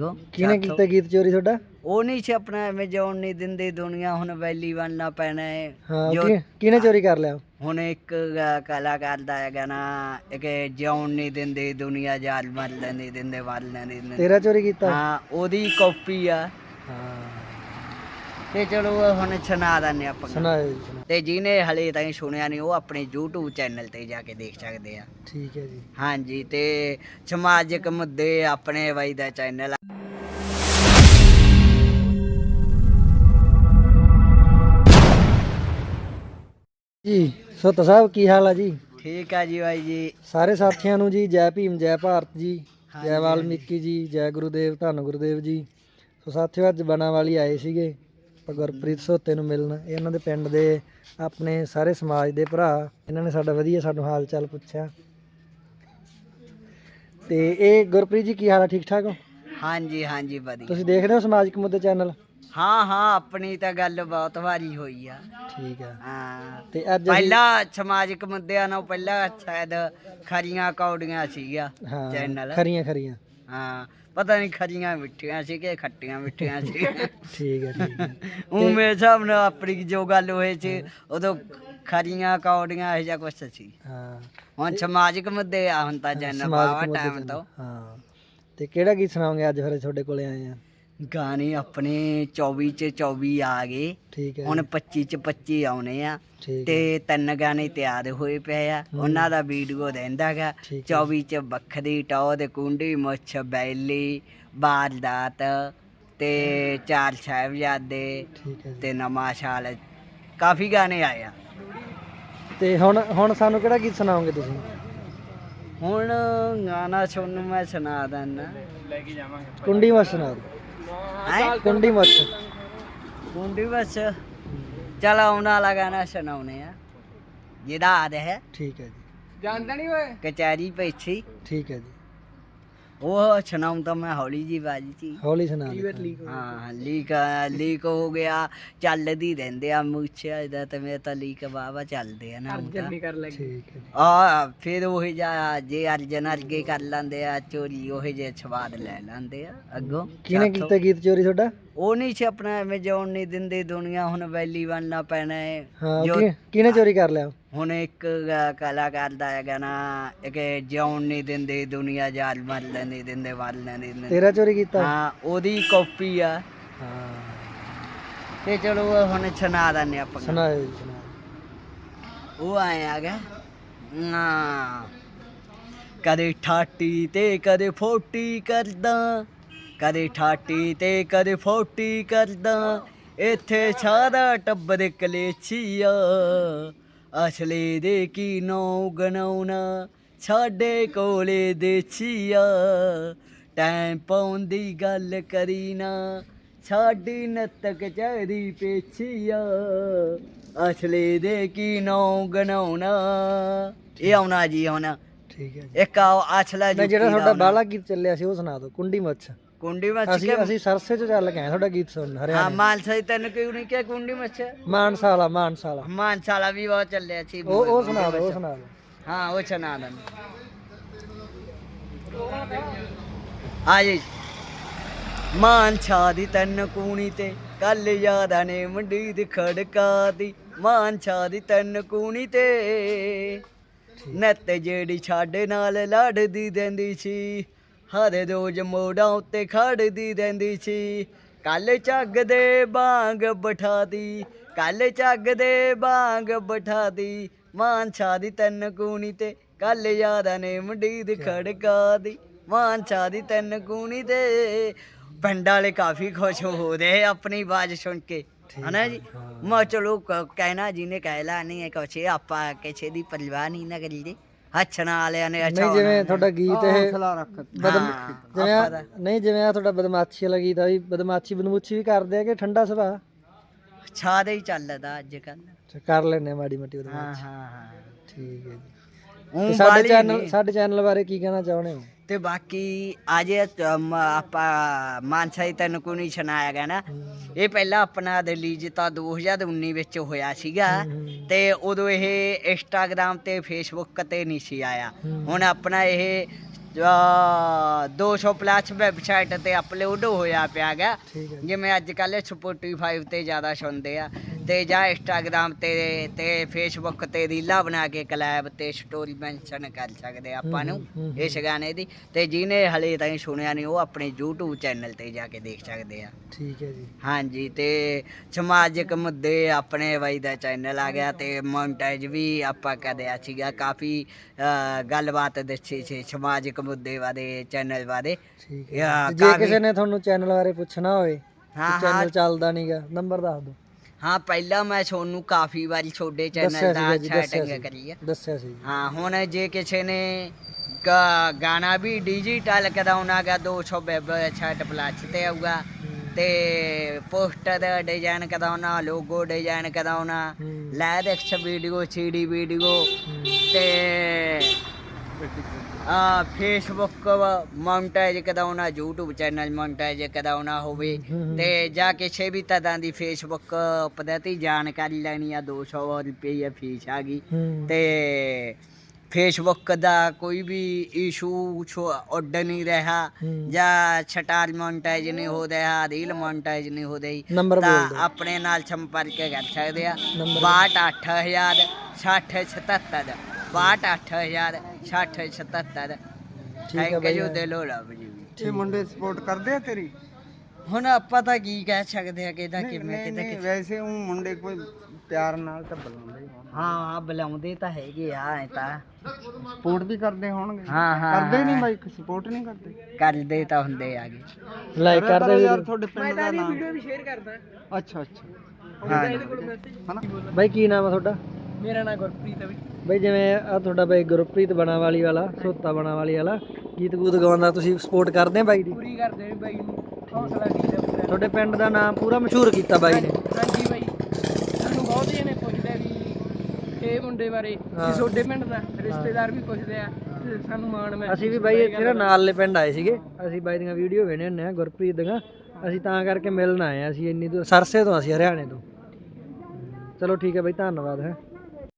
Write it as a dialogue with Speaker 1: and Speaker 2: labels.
Speaker 1: ਅੱਗੋਂ
Speaker 2: ਕਿਹਨੇ ਕੀਤਾ ਗੀਤ ਚੋਰੀ ਤੁਹਾਡਾ?
Speaker 1: ਉਹ ਨਹੀਂ ਸੀ ਆਪਣਾ ਐਵੇਂ ਜਿਉਣ ਨਹੀਂ ਦਿੰਦੀ ਦੁਨੀਆ ਹੁਣ ਵੈਲੀ ਬਣਨਾ ਪੈਣਾ ਹੈ
Speaker 2: ਹਾਂ ਕਿਹਨੇ ਚੋਰੀ ਕਰ ਲਿਆ?
Speaker 1: ਹੁਣ ਇੱਕ ਕਲਾਕਾਰ ਦਾ ਹੈਗਾ ਨਾ ਕਿ ਜਿਉਣ ਨਹੀਂ ਦਿੰਦੇ ਦੁਨੀਆ ਜਾਲ ਮਰ ਲੈਂਦੀ ਦਿੰਦੇ ਮਰ ਲੈਂਦੀ
Speaker 2: ਤੇਰਾ ਚੋਰੀ ਕੀਤਾ?
Speaker 1: ਹਾਂ ਉਹਦੀ ਕਾਪੀ ਆ।
Speaker 2: ਹਾਂ
Speaker 1: ਤੇ ਚਲੋ ਹੁਣ ਸੁਣਾ ਦਿੰਦੇ ਆਪਾਂ
Speaker 2: ਸੁਣਾਓ ਜੀ ਸੁਣਾਓ।
Speaker 1: ਤੇ ਜਿਹਨੇ ਹਲੇ ਤਾਈਂ ਸੁਣਿਆ ਨਹੀਂ ਉਹ ਆਪਣੇ YouTube ਚੈਨਲ ਤੇ ਜਾ ਕੇ ਦੇਖ ਸਕਦੇ ਆ।
Speaker 2: ਠੀਕ ਹੈ ਜੀ।
Speaker 1: ਹਾਂਜੀ ਤੇ ਸਮਾਜਿਕ ਮੁੱਦੇ ਆਪਣੇ ਬਾਈ ਦਾ ਚੈਨਲ
Speaker 2: ਜੀ ਸੁੱਤ ਸਾਹਿਬ ਕੀ ਹਾਲ ਆ ਜੀ?
Speaker 1: ਠੀਕ ਆ ਜੀ ਬਾਈ ਜੀ।
Speaker 2: ਸਾਰੇ ਸਾਥੀਆਂ ਨੂੰ ਜੀ ਜੈ ਭੀਮ ਜੈ ਭਾਰਤ ਜੀ, ਜੈ ਵਾਲਮੀਕੀ ਜੀ, ਜੈ ਗੁਰੂਦੇਵ ਧੰਨ ਗੁਰੂਦੇਵ ਜੀ। ਸੋ ਸਾਥੀਓ ਅੱਜ ਬਣਾਵਾਲੀ ਆਏ ਸੀਗੇ ਆਪਾਂ ਗੁਰਪ੍ਰੀਤ ਸੋਤੇ ਨੂੰ ਮਿਲਣ। ਇਹ ਇਹਨਾਂ ਦੇ ਪਿੰਡ ਦੇ ਆਪਣੇ ਸਾਰੇ ਸਮਾਜ ਦੇ ਭਰਾ। ਇਹਨਾਂ ਨੇ ਸਾਡਾ ਵਧੀਆ ਸਾਨੂੰ ਹਾਲ ਚਾਲ ਪੁੱਛਿਆ। ਤੇ ਇਹ ਗੁਰਪ੍ਰੀਤ ਜੀ ਕੀ ਹਾਲ ਆ? ਠੀਕ ਠਾਕ ਹੋ?
Speaker 1: ਹਾਂਜੀ ਹਾਂਜੀ ਵਧੀਆ।
Speaker 2: ਤੁਸੀਂ ਦੇਖਦੇ ਹੋ ਸਮਾਜਿਕ ਮੁੱਦੇ ਚੈਨਲ?
Speaker 1: ਹਾਂ ਹਾਂ ਆਪਣੀ ਤਾਂ ਗੱਲ ਬਹੁਤ ਵਾਰੀ ਹੋਈ ਆ।
Speaker 2: ਠੀਕ ਆ।
Speaker 1: ਹਾਂ
Speaker 2: ਤੇ ਅੱਜ
Speaker 1: ਪਹਿਲਾਂ ਸਮਾਜਿਕ ਮੁੱਦਿਆਂ ਨਾਲ ਪਹਿਲਾਂ ਸ਼ਾਇਦ ਖਰੀਆਂ ਕੌਡੀਆਂ ਸੀਗਾ ਚੈਨਲ।
Speaker 2: ਖਰੀਆਂ ਖਰੀਆਂ
Speaker 1: ਹਾਂ ਪਤਾ ਨਹੀਂ ਖਰੀਆਂ ਮਿੱਠੀਆਂ ਸੀ ਕਿ ਖੱਟੀਆਂ ਮਿੱਠੀਆਂ ਸੀ।
Speaker 2: ਠੀਕ ਹੈ ਠੀਕ ਹੈ।
Speaker 1: ਉਹ ਮੇਰੇ ਹਿਸਾਬ ਨਾਲ ਆਪਣੀ ਜੋ ਗੱਲ ਹੋਈ ਸੀ ਉਦੋਂ ਖਰੀਆਂ ਕੌਡੀਆਂ ਇਹੋ ਜਿਹਾ ਕੁਛ ਸੀ।
Speaker 2: ਹਾਂ
Speaker 1: ਹੁਣ ਸਮਾਜਿਕ ਮੁੱਦੇ ਆ ਹੁਣ ਤਾਂ ਚੈਨਲ ਬਾਵਾ ਟਾਈਮ ਤੋਂ।
Speaker 2: ਹਾਂ ਤੇ ਕਿਹੜਾ ਗੀਤ ਸੁਣਾਓਗੇ ਅੱਜ ਫਿਰ ਤੁਹਾਡੇ ਕੋਲੇ ਆਏ ਆ?
Speaker 1: ਗਾਣੇ ਆਪਣੇ 24 ਚ 24 ਆ ਗਏ।
Speaker 2: ਠੀਕ ਹੈ।
Speaker 1: ਹੁਣ 25 ਚ 25 ਆਉਣੇ ਆ
Speaker 2: ਠੀਕ
Speaker 1: ਤੇ 3 ਗਾਣੇ ਤਿਆਰ ਹੋਏ ਪਏ ਆ। ਉਹਨਾਂ ਦਾ ਵੀਡੀਓ ਰਹਿੰਦਾ ਗਾ। 24 ਚ ਵੱਖਰੀ ਟੌਰ ਦੇ ਕੁੰਡੀ ਮੁੱਛ ਬੈਲੀ ਬਾਰਦਾਤ ਤੇ 4 ਸਾਹਿਬਜ਼ਾਦੇ ਤੇ ਨਵਾਂ ਸਾਲ ਕਾਫੀ ਗਾਣੇ ਆਏ ਆ।
Speaker 2: ਤੇ ਹੁਣ ਸਾਨੂੰ ਕਿਹੜਾ ਗੀਤ ਸੁਣਾਓਗੇ ਤੁਸੀਂ?
Speaker 1: ਹੁਣ ਗਾਣਾ ਸੁਣ ਮੈਂ ਸੁਣਾ ਦਿੰਦਾ।
Speaker 2: ਕੁੰਡੀ ਮੱਛ ਸੁਣਾ ਦਿਓ। ਕੁੰਡੀ ਮੱਛ
Speaker 1: ਕੁੰਡੀ ਬਸ ਚਲ ਆਉਣ ਵਾਲਾ ਗਾਣਾ ਸੁਣਾਉਣੇ ਆ ਜਿਹਦਾ ਆਦ ਹੈ।
Speaker 2: ਠੀਕ ਹੈ ਜੀ।
Speaker 1: ਜਾਣਦਾ ਨਹੀਂ ਓਏ ਕਚਹਿਰੀ ਪੈਛੀ।
Speaker 2: ਠੀਕ ਹੈ ਜੀ।
Speaker 1: ਉਹ ਸੁਣਾਉਂ ਤਾਂ ਮੈਂ ਹੌਲੀ ਜੀ ਬਾਜੀ ਚ
Speaker 2: ਹੌਲੀ ਸੁਣਾ।
Speaker 1: ਹਾਂ ਲੀਕ ਹੋ ਗਿਆ ਚੱਲਦੀ ਰਹਿੰਦੇ ਆ ਮੁੱਛਿਆ ਇਹਦਾ ਤੇ ਮੇਰੇ ਤਾਂ ਲੀਕ ਵਾਵਾ ਚੱਲਦੇ ਆ ਨਾ।
Speaker 2: ਠੀਕ ਹੈ।
Speaker 1: ਆ ਫਿਰ ਉਹੀ ਜਾ ਜੇ ਅਰਜਨ ਅਰਗੇ ਕਰ ਲੈਂਦੇ ਆ ਚੋਰੀ ਉਹੇ ਜੇ ਸਵਾਦ ਲੈ ਲੈਂਦੇ ਆ ਅੱਗੋਂ।
Speaker 2: ਕਿਹਨੇ ਕੀਤਾ ਗੀਤ ਚੋਰੀ ਤੁਹਾਡਾ?
Speaker 1: ਉਹ ਨਹੀਂ ਸੀ ਆਪਣਾ ਐਵੇਂ ਜਿਉਣ ਨਹੀਂ ਦਿੰਦੇ ਦੁਨੀਆ ਹੁਣ ਵੈਲੀ ਬਣਨਾ ਪੈਣਾ ਹੈ।
Speaker 2: ਕਿਹਨੇ ਚੋਰੀ ਕਰ ਲਿਆ?
Speaker 1: ਹੁਣ ਇੱਕ ਕਲਾਕਾਰ ਦਾ ਹੈਗਾ ਨਾ ਕਿ ਜਿਉਣ ਨਹੀਂ ਦਿੰਦੇ ਦੁਨੀਆ ਜਾਲ ਮਰ ਲੈਂਦੀ ਦਿੰਦੇ ਮਰ ਲੈਂਦੀ।
Speaker 2: ਤੇਰਾ ਚੋਰੀ ਕੀਤਾ? ਹਾਂ
Speaker 1: ਉਹਦੀ ਕਾਪੀ ਆ।
Speaker 2: ਹਾਂ
Speaker 1: ਤੇ ਚਲੋ ਹੁਣ ਸੁਣਾ ਦਿੰਦੇ ਆਪਾਂ।
Speaker 2: ਸੁਣਾਓ ਜੀ ਸੁਣਾਓ।
Speaker 1: ਉਹ ਆਏ ਆ ਗਿਆ ਕਦੇ ਠਾਟੀ ਤੇ ਕਦੇ ਫੋਟੀ ਕਰਦਾ, ਕਦੇ ਠਾਟੀ ਤੇ ਕਦੇ ਫੋਟੀ ਕਰਦਾ। ਇੱਥੇ ਸਾਰਾ ਟੱਬਰ ਕਲੇਛੀਆ ਅਸਲੇ ਦੇ ਕੀ ਨੌ ਗਣਾਉਣਾ ਸਾਡੇ ਕੋਲੇ ਦੇਛੀਆ। ਟਾਈਮ ਪਾਉਣ ਦੀ ਗੱਲ ਕਰੀ ਨਾ ਸਾਡੀ ਨੱਤਕ ਚਾਹਦੀ ਪੇਛੀਆ ਅਸਲੇ ਦੇ ਕੀ ਨੌ ਗਣਾਉਣਾ। ਇਹ ਆਉਣਾ ਜੀ ਆਉਣਾ।
Speaker 2: ਠੀਕ ਹੈ।
Speaker 1: ਇੱਕ ਅਸਲਾ ਜੀ
Speaker 2: ਜਿਹੜਾ ਤੁਹਾਡਾ ਬਾਲਾ ਗੀਤ ਚੱਲਿਆ ਸੀ ਉਹ ਸੁਣਾ ਦਿਓ। ਕੁੰਡੀ ਮੱਛ।
Speaker 1: ਕੁੰਡੀ ਮੱਛ
Speaker 2: ਅਸੀਂ ਸਰਸੇ ਚ ਚੱਲ ਕੇ ਆਏ ਤੁਹਾਡਾ ਗੀਤ ਸੁਣਨ ਹਰਿਆਣਾ।
Speaker 1: ਹਾਂ ਮਾਨਸਾ ਦੀ ਤੈਨੂੰ ਕਿਉਂ ਨਹੀਂ ਕਿਹਾ ਕੁੰਡੀ ਮੱਛ?
Speaker 2: ਮਾਨਸਾ ਵਾਲਾ
Speaker 1: ਮਾਨਸਾ ਵਾਲਾ ਵੀ ਬਹੁਤ ਚੱਲਿਆ ਸੀ।
Speaker 2: ਉਹ ਸੁਣਾ ਦਿਓ ਉਹ ਸੁਣਾ ਦਿਓ।
Speaker 1: ਹਾਂ ਉਹ ਸੁਣਾ ਦਿੰਦੇ ਆ ਜੀ। ਮਾਨਸਾ ਦੀ ਤੈਨੂੰ ਕੂਣੀ ਤੇ ਕੱਲ ਯਾਦਾਂ ਨੇ ਮੰਡੀ ਦੀ ਖੜਕਾ ਦੀ। ਮਾਨਸਾ ਦੀ ਤੈਨੂੰ ਕੂਣੀ ਤੇ ਨੱਤ ਜਿਹੜੀ ਸਾਡੇ ਨਾਲ ਲੜਦੀ ਰਹਿੰਦੀ ਸੀ ਹਰ ਰੋਜ਼ ਮੋੜਾਂ ਉੱਤੇ ਖੜਦੀ ਰਹਿੰਦੀ ਸੀ। ਕੱਲ ਝੱਗ ਦੇ ਬਾਂਗ ਬਿਠਾ ਦੀ, ਕੱਲ ਝੱਗ ਦੇ ਬਾਂਗ ਬਿਠਾ ਦੀ। ਮਾਨਸਾ ਦੀ ਤੈਨੂੰ ਕੂਣੀ ਤੇ ਕੱਲ ਯਾਦਾਂ ਨੇ ਮੰਡੀ ਦੀ ਖੜਕਾ ਦੀ। ਮਾਨਸਾ ਦੀ ਤੈਨੂੰ ਕੂਣੀ ਤੇ ਪਿੰਡ ਵਾਲੇ ਕਾਫੀ ਖੁਸ਼ ਹੋ ਰਹੇ ਆਪਣੀ ਆਵਾਜ਼ ਸੁਣ ਕੇ ਹਨਾ ਜੀ। ਮੈਂ ਚਲੋ ਕਹਿਣਾ ਜਿਹਨੇ ਕਹਿਲਾ ਨਹੀਂ ਕੁਛ ਆਪਾਂ ਕਿਸੇ ਦੀ ਪਰਵਾਹ ਨਹੀਂ ਨਾ ਕਰੀਦੀ। ਹੱਛਣਾ ਵਾਲਿਆਂ ਨੇ ਅੱਛਾ
Speaker 2: ਜਿਵੇਂ ਤੁਹਾਡਾ ਗੀਤ ਇਹ ਜਿਵੇਂ ਆ ਤੁਹਾਡਾ ਬਦਮਾਸ਼ੀ ਵਾਲਾ ਗੀਤ ਆ ਵੀ ਬਦਮਾਸ਼ੀ ਬਦਮੂਛੀ ਵੀ ਕਰਦੇ ਆ ਕਿ ਠੰਡਾ ਸੁਭਾਅ?
Speaker 1: ਛਾਦੇ ਹੀ ਚੱਲਦਾ ਅੱਜ ਕੱਲ।
Speaker 2: ਕਰ ਲੈਣੇ ਮਾੜੀ ਮੋਟੀ
Speaker 1: ਹਾਂ ਹਾਂ ਹਾਂ
Speaker 2: ਠੀਕ ਹੈ ਜੀ। ਸਾਡੇ ਚੈਨਲ ਬਾਰੇ ਕੀ ਕਹਿਣਾ ਚਾਹੁੰਦੇ ਹੋ? ਤੇ
Speaker 1: ਬਾਕੀ ਅੱਜ ਆਪਾਂ ਮਾਨਸਾ ਦੀ ਤੈਨੂੰ ਕੋਈ ਨਹੀਂ ਸੁਣਾਇਆ ਗਿਆ ਨਾ। ਇਹ ਪਹਿਲਾਂ ਆਪਣਾ ਰਿਲੀਜ਼ ਤਾਂ 2019 ਵਿੱਚ ਹੋਇਆ ਸੀਗਾ ਤੇ ਉਦੋਂ ਇਹ ਇੰਸਟਾਗ੍ਰਾਮ ਤੇ ਫੇਸਬੁੱਕ ਤੇ ਨਹੀਂ ਸੀ ਆਇਆ। ਹੁਣ ਆਪਣਾ ਇਹ 200 ਪਲੱਸ ਵੈਬਸਾਈਟ ਤੇ ਅਪਲੋਡ ਹੋਇਆ ਪਿਆ ਗਾ
Speaker 2: ਠੀਕ ਹੈ ਜੀ।
Speaker 1: ਜਿਵੇਂ ਅੱਜ ਕੱਲ੍ਹ ਸਪੋਟੀਫਾਈ ਤੇ ਜ਼ਿਆਦਾ ਸੁਣਦੇ ਆ ਤੇ ਜਾਂ ਇੰਸਟਾਗ੍ਰਾਮ ਤੇ ਫੇਸਬੁੱਕ ਤੇ ਰੀਲਾਂ ਬਣਾ ਕੇ ਕਲੈਬ ਤੇ ਸਟੋਰੀ ਮੈਂਸ਼ਨ ਕਰ ਸਕਦੇ ਆ ਆਪਾਂ ਨੂੰ ਇਸ ਗਾਣੇ ਦੀ। ਤੇ ਜਿਹਨੇ ਹਲੇ ਤਾਈਂ ਸੁਣਿਆ ਨਹੀਂ ਉਹ ਆਪਣੇ YouTube ਚੈਨਲ ਤੇ ਜਾ ਕੇ ਦੇਖ ਸਕਦੇ ਆ।
Speaker 2: ਠੀਕ ਹੈ ਜੀ।
Speaker 1: ਹਾਂਜੀ ਤੇ ਸਮਾਜਿਕ ਮੁੱਦੇ ਆਪਣੇ ਬਾਈ ਦਾ ਚੈਨਲ ਆ ਗਿਆ ਤੇ ਮੋਨਟਾਈਜ਼ ਵੀ ਆਪਾਂ ਕਰਿਆ ਸੀਗਾ ਕਾਫੀ ਗੱਲਬਾਤ ਦੱਸੀ ਸੀ ਸਮਾਜਿਕ ਮੁੱਦੇ ਬਾਰੇ ਚੈਨਲ ਬਾਰੇ।
Speaker 2: ਠੀਕ ਹੈ। ਤੇ ਜੇ ਕਿਸੇ ਨੇ ਤੁਹਾਨੂੰ ਚੈਨਲ ਬਾਰੇ ਪੁੱਛਣਾ ਹੋਵੇ,
Speaker 1: ਹਾਂ
Speaker 2: ਚੈਨਲ ਚੱਲਦਾ ਨਹੀਂਗਾ, ਨੰਬਰ ਦੱਸ ਦਿਓ।
Speaker 1: ਹਾਂ ਪਹਿਲਾਂ ਮੈਂ ਤੁਹਾਨੂੰ ਕਾਫੀ ਵਾਰੀ ਤੁਹਾਡੇ ਚੈਨਲ ਦਾ ਸੈਟਿੰਗ ਕਰੀ ਆ।
Speaker 2: ਦੱਸਿਆ ਸੀ।
Speaker 1: ਹਾਂ ਹੁਣ ਜੇ ਕਿਸੇ ਨੇ ਗਾਣਾ ਵੀ ਡਿਜੀਟਲ ਕਰਾਉਣਾ ਗਾ 200 ਵੈਬਸਾਈਟ ਪਲੱਸ ਤੇ ਆਊਗਾ ਤੇ ਪੋਸਟਰ ਡਿਜ਼ਾਈਨ ਕਰਾਉਣਾ, ਲੋਗੋ ਡਿਜ਼ਾਈਨ ਕਰਾਉਣਾ, ਲਾਇਰਿਕਸ ਵੀਡੀਓ, CD ਵੀਡੀਓ ਤੇ ਫੇਸਬੁੱਕ ਮੋਨਟਾਈਜ਼ ਕਰਾਉਣਾ, YouTube ਚੈਨਲ ਮੋਨਟਾਈਜ਼ ਕਰਾਉਣਾ ਹੋਵੇ ਤੇ ਜਾਂ ਕਿਸੇ ਵੀ ਤਰ੍ਹਾਂ ਦੀ ਫੇਸਬੁੱਕ ਪ੍ਰਤੀ ਜਾਣਕਾਰੀ ਲੈਣੀ ਆ 200 ਰੁਪਏ ਫੀਸ ਆ ਗਈ। ਤੇ ਫੇਸਬੁੱਕ ਦਾ ਕੋਈ ਵੀ ਇਸ਼ੂ ਉੱਡ ਨਹੀਂ ਰਿਹਾ ਜਾਂ ਸਟਾਰ ਮੋਨਟਾਈਜ਼ ਨਹੀਂ ਹੋ ਰਿਹਾ, ਰੀਲ ਮੋਨਟਾਈਜ਼ ਨਹੀਂ ਹੋ ਰਹੀ ਤਾਂ ਆਪਣੇ ਨਾਲ ਸੰਪਰਕ ਕਰ ਸਕਦੇ ਆ 628000 6077 628000 6077। ਥੈਂਕ ਯੂ ਦਿਲੋਂ ਰੱਬ ਜੀ।
Speaker 3: ਇਹ ਮੁੰਡੇ ਸਪੋਰਟ ਕਰਦੇ ਆ ਤੇਰੀ?
Speaker 1: ਹੁਣ ਆਪਾਂ ਤਾਂ ਕੀ ਕਹਿ ਸਕਦੇ ਆ ਕਿਹਦਾ ਕਿਵੇਂ ਕਿਹਦਾ
Speaker 3: ਵੈਸੇ ਉਹ ਮੁੰਡੇ ਕੋਈ ਪਿਆਰ ਨਾਲ ਤਾਂ ਬੁਲਾਉਂਦੇ ਹੀ ਹੋਣ।
Speaker 1: ਹਾਂ ਬੁਲਾਉਂਦੇ ਤਾਂ ਹੈਗੇ ਆ ਐ ਤਾਂ
Speaker 3: ਸਪੋਰਟ ਵੀ ਕਰਦੇ ਹੋਣਗੇ।
Speaker 1: ਹਾਂ
Speaker 3: ਕਰਦੇ ਨਹੀਂ ਬਾਈ, ਸਪੋਰਟ ਨਹੀਂ ਕਰਦੇ?
Speaker 1: ਕਰਦੇ ਤਾਂ ਹੁੰਦੇ ਆਗੇ।
Speaker 2: ਲਾਈਕ ਕਰਦੇ
Speaker 3: ਯਾਰ ਤੁਹਾਡੇ ਪਿੰਡ ਦਾ ਨਾਮ। ਵੀਡੀਓ ਵੀ ਸ਼ੇਅਰ ਕਰਦਾ। ਅੱਛਾ
Speaker 1: ਹਾਂ
Speaker 3: ਹਨਾ
Speaker 2: ਬਾਈ ਕੀ ਨਾਮ ਆ ਤੁਹਾਡਾ?
Speaker 3: ਮੇਰਾ ਨਾਮ ਗੁਰਪ੍ਰੀਤ ਹੈ
Speaker 2: ਬਾਈ ਜਿਵੇਂ ਆ ਤੁਹਾਡਾ ਬਾਈ ਗੁਰਪ੍ਰੀਤ ਬਣਾਵਾਲੀ ਵਾਲਾ, ਸੋਤਾ ਬਣਾਵਾਲੀ ਵਾਲਾ ਗੀਤ ਗੂਤ ਗਾਉਂਦਾ, ਤੁਸੀਂ ਸਪੋਰਟ ਕਰਦੇ ਆ ਬਾਈ ਦੀ?
Speaker 3: ਪੂਰੀ ਕਰਦੇ ਨੇ ਬਾਈ ਨੂੰ, ਹੌਸਲਾ ਕੀਤਾ ਪੂਰਾ।
Speaker 2: ਤੁਹਾਡੇ ਪਿੰਡ ਦਾ ਨਾਮ ਪੂਰਾ ਮਸ਼ਹੂਰ ਕੀਤਾ ਬਾਈ ਨੇ।
Speaker 3: ਹਾਂਜੀ ਬਾਈ, ਸਾਨੂੰ ਬਹੁਤ ਜਣੇ ਪੁੱਛਦੇ ਵੀ ਇਹ ਮੁੰਡੇ ਬਾਰੇ ਕਿ ਤੁਹਾਡੇ ਪਿੰਡ ਦਾ, ਰਿਸ਼ਤੇਦਾਰ ਵੀ ਪੁੱਛਦੇ ਆ ਤੇ ਸਾਨੂੰ ਮਾਣ ਮੈਂ।
Speaker 2: ਅਸੀਂ ਵੀ ਬਾਈ ਇੱਥੇ ਨਾ ਨਾਲਲੇ ਪਿੰਡ ਆਏ ਸੀਗੇ, ਅਸੀਂ ਬਾਈ ਦੀਆਂ ਵੀਡੀਓ ਵੇਖਦੇ ਹੁੰਦੇ ਆ ਗੁਰਪ੍ਰੀਤ ਦੀਆਂ, ਅਸੀਂ ਤਾਂ ਕਰਕੇ ਮਿਲਣ ਆਏ ਆ। ਅਸੀਂ ਇੰਨੀ ਦੂਰ ਸਰਸੇ ਤੋਂ, ਅਸੀਂ ਹਰਿਆਣੇ ਤੋਂ। ਚਲੋ ਠੀਕ ਹੈ ਬਾਈ, ਧੰਨਵਾਦ ਹੈ।